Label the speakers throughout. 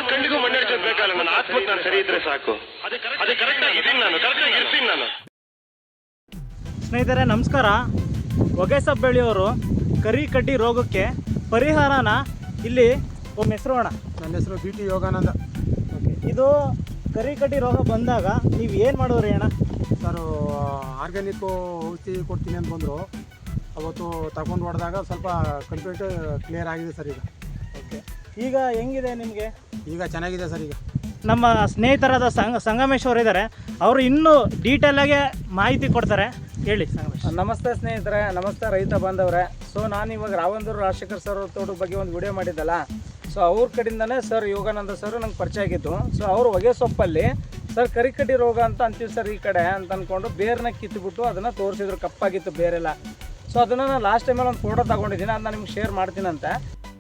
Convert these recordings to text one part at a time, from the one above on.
Speaker 1: ಕಣ್ಣಿಗೂ ಮಣ್ಣೆಡ್ಸೋದು ಬೇಕಲ್ಲ, ನನ್ನ ಆತ್ಮಕ್ಕೆ ನಾನು ಸರಿ ಇದ್ರೆ ಸಾಕು. ಅದೇ ಕರೆಕ್ಟ್ ಆಗಿ ಇರ್ತೀನಿ ನಾನು.
Speaker 2: ಸ್ನೇಹಿತರೆ ನಮಸ್ಕಾರ. ಹೊಗೆಸೊಪ್ಪು ಬೆಳೆಯೋರು ಕರಿ ಕಡ್ಡಿ ರೋಗಕ್ಕೆ ಪರಿಹಾರನ ಇಲ್ಲಿ ಒಮ್ಮೆ ಹೆಸರು ಅಣ್ಣ.
Speaker 3: ನನ್ನ ಹೆಸರು BT ಯೋಗಾನಂದ.
Speaker 2: ಓಕೆ, ಇದು ಕರಿ ಕಡ್ಡಿ ರೋಗ ಬಂದಾಗ ನೀವು ಏನು ಮಾಡೋರಿ ಅಣ್ಣ?
Speaker 3: ಸರ್ ಆರ್ಗ್ಯಾನಿಕ್ಕು ಔಷಧಿ ಕೊಡ್ತೀನಿ ಅಂತ ಬಂದರು. ಅವತ್ತು ತಗೊಂಡು ಹೊಡೆದಾಗ ಸ್ವಲ್ಪ ಕಂಪ್ಲೀಟ್ ಕ್ಲಿಯರ್ ಆಗಿದೆ ಸರ್ ಈಗ.
Speaker 2: ಓಕೆ, ಈಗ ಹೆಂಗಿದೆ ನಿಮಗೆ?
Speaker 3: ಈಗ ಚೆನ್ನಾಗಿದೆ ಸರ್. ಈಗ
Speaker 2: ನಮ್ಮ ಸ್ನೇಹಿತರಾದ ಸಂಗಮೇಶ್ ಅವರು ಇದ್ದಾರೆ, ಅವರು ಇನ್ನೂ ಡೀಟೇಲಾಗಿ ಮಾಹಿತಿ ಕೊಡ್ತಾರೆ. ಹೇಳಿ ಸಂಗಮೇಶ್.
Speaker 4: ನಮಸ್ತೆ ಸ್ನೇಹಿತರೆ, ನಮಸ್ತೆ ರೈತ ಬಾಂಧವರೇ. ಸೊ ನಾನು ಇವಾಗ ರಾವಂದೂರು ರಾಜಶೇಖರ್ ಸರ್ ತೋಟದ ಬಗ್ಗೆ ಒಂದು ವಿಡಿಯೋ ಮಾಡಿದ್ದಲ್ಲ, ಸೊ ಅವ್ರ ಕಡೆಯಿಂದನೇ ಸರ್ ಯೋಗಾನಂದ ಸರ್ ನಂಗೆ ಪರಿಚಯ ಆಗಿತ್ತು. ಸೊ ಅವರು ಹೊಗೆಸೊಪ್ಪಲ್ಲಿ ಸರ್ ಕರಿಕಡ್ಡಿ ರೋಗ ಅಂತ ಅಂತೀವಿ ಸರ್ ಈ ಕಡೆ ಅಂತ ಅಂದ್ಕೊಂಡು ಬೇರನ್ನ ಕಿತ್ತುಬಿಟ್ಟು ಅದನ್ನು ತೋರಿಸಿದ್ರು, ಕಪ್ಪಾಗಿತ್ತು ಬೇರೆಲ್ಲ. ಸೊ ಅದನ್ನು ನಾನು ಲಾಸ್ಟ್ ಟೈಮಲ್ಲಿ ಒಂದು ಫೋಟೋ ತಗೊಂಡಿದ್ದೀನಿ, ಅದನ್ನ ನಿಮ್ಗೆ ಶೇರ್ ಮಾಡ್ತೀನಂತೆ.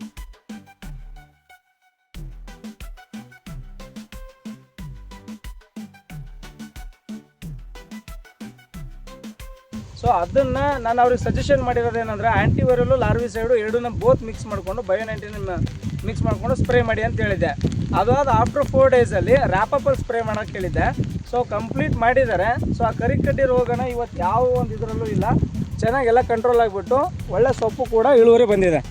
Speaker 4: ಸೊ ಅದನ್ನು ನಾನು ಅವ್ರಿಗೆ ಸಜೆಷನ್ ಮಾಡಿರೋದೇನೆಂದರೆ ಆ್ಯಂಟಿವೈರಲ್ಲು ಲಾರ್ವಿಸೈಡು ಎರಡನ್ನ ಬೋತ್ ಮಿಕ್ಸ್ ಮಾಡಿಕೊಂಡು ಬಯೋನೈಂಟಿನ ಮಿಕ್ಸ್ ಮಾಡಿಕೊಂಡು ಸ್ಪ್ರೇ ಮಾಡಿ ಅಂತ ಹೇಳಿದ್ದೆ. ಅದಾದ ಆಫ್ಟರ್ 4 ಡೇಸಲ್ಲಿ ರ್ಯಾಪಪ್ಪಲ್ಲಿ ಸ್ಪ್ರೇ ಮಾಡೋಕ್ಕೆ ಹೇಳಿದ್ದೆ. ಸೊ ಕಂಪ್ಲೀಟ್ ಮಾಡಿದ್ದಾರೆ. ಸೊ ಆ ಕರಿಕಡ್ಡಿ ರೋಗನ ಇವತ್ತು ಯಾವ ಒಂದು ಇದರಲ್ಲೂ ಇಲ್ಲ, ಚೆನ್ನಾಗೆಲ್ಲ ಕಂಟ್ರೋಲ್ ಆಗಿಬಿಟ್ಟು ಒಳ್ಳೆ ಸೊಪ್ಪು ಕೂಡ ಇಳುವರಿ ಬಂದಿದೆ.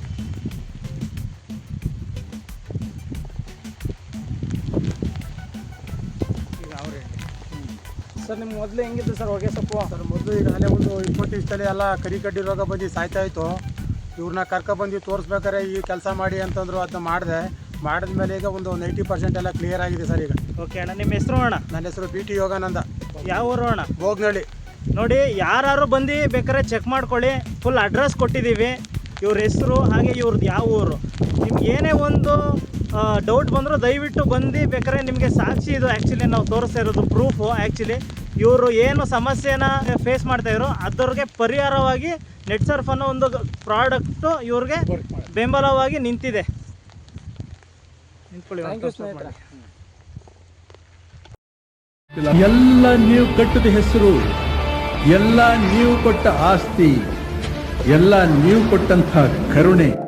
Speaker 4: ಸರ್ ನಿಮ್ಗೆ ಮೊದಲು ಹೆಂಗಿತ್ತು ಸರ್ ಹೊಗೆಸೊಪ್ಪು?
Speaker 3: ಸರ್ ಮೊದಲು ಈಗಾಗಲೇ ಒಂದು 20 ದಿವಸದಲ್ಲಿ ಎಲ್ಲ ಕರಿಕಡ್ಡಿ ರೋಗ ಬಂದು ಸಾಯ್ತಾ ಇತ್ತು. ಇವ್ರನ್ನ ಕರ್ಕೊಬಂದು ತೋರಿಸ್ಬೇಕಾರೆ ಈ ಕೆಲಸ ಮಾಡಿ ಅಂತಂದ್ರು, ಅದನ್ನ ಮಾಡಿದ್ಮೇಲೆ ಈಗ ಒಂದು 90% ಎಲ್ಲ ಕ್ಲಿಯರ್ ಆಗಿದೆ ಸರ್ ಈಗ.
Speaker 2: ಓಕೆ ಅಣ್ಣ, ನಿಮ್ಮ ಹೆಸರು ಅಣ್ಣ?
Speaker 3: ನನ್ನ ಹೆಸರು BT ಯೋಗಾನಂದ.
Speaker 2: ಯಾವ ಊರು ಅಣ್ಣ?
Speaker 3: ಬೋಗ್ನಳ್ಳಿ.
Speaker 2: ನೋಡಿ, ಯಾರು ಬಂದು ಬೇಕಾದ್ರೆ ಚೆಕ್ ಮಾಡ್ಕೊಳ್ಳಿ, ಫುಲ್ ಅಡ್ರೆಸ್ ಕೊಟ್ಟಿದ್ದೀವಿ, ಇವ್ರ ಹೆಸರು ಹಾಗೆ ಇವ್ರದ್ದು ಯಾವ ಊರು. ನಿಮ್ಗೆ ಏನೇ ಒಂದು ಡೌಟ್ ಬಂದರೂ ದಯವಿಟ್ಟು ಬಂದು ಬೇಕಾದ್ರೆ ನಿಮಗೆ ಸಾಕ್ಷಿ ಇದು ಆ್ಯಕ್ಚುಲಿ ನಾವು ತೋರಿಸ್ತಾ ಇರೋದು ಪ್ರೂಫು. ಆ್ಯಕ್ಚುಲಿ ಇವರು ಏನು ಸಮಸ್ಯೆನ ಫೇಸ್ ಮಾಡ್ತಾಯಿದ್ರು ಅದರಿಗೆ ಪರಿಹಾರವಾಗಿ ನೆಟ್ ಸರ್ಫ್ ಅನ್ನೋ ಒಂದು ಪ್ರಾಡಕ್ಟು ಇವ್ರಿಗೆ ಬೆಂಬಲವಾಗಿ ನಿಂತಿದೆ. ನಿಂತ್ಕೊಳ್ಳಿ.
Speaker 5: ಎಲ್ಲ ನೀವು ಕಟ್ಟಿದ ಹೆಸರು, ಎಲ್ಲ ನೀವು ಕೊಟ್ಟ ಆಸ್ತಿ, ಎಲ್ಲ ನೀವು ಕೊಟ್ಟಂತಹ ಕರುಣೆ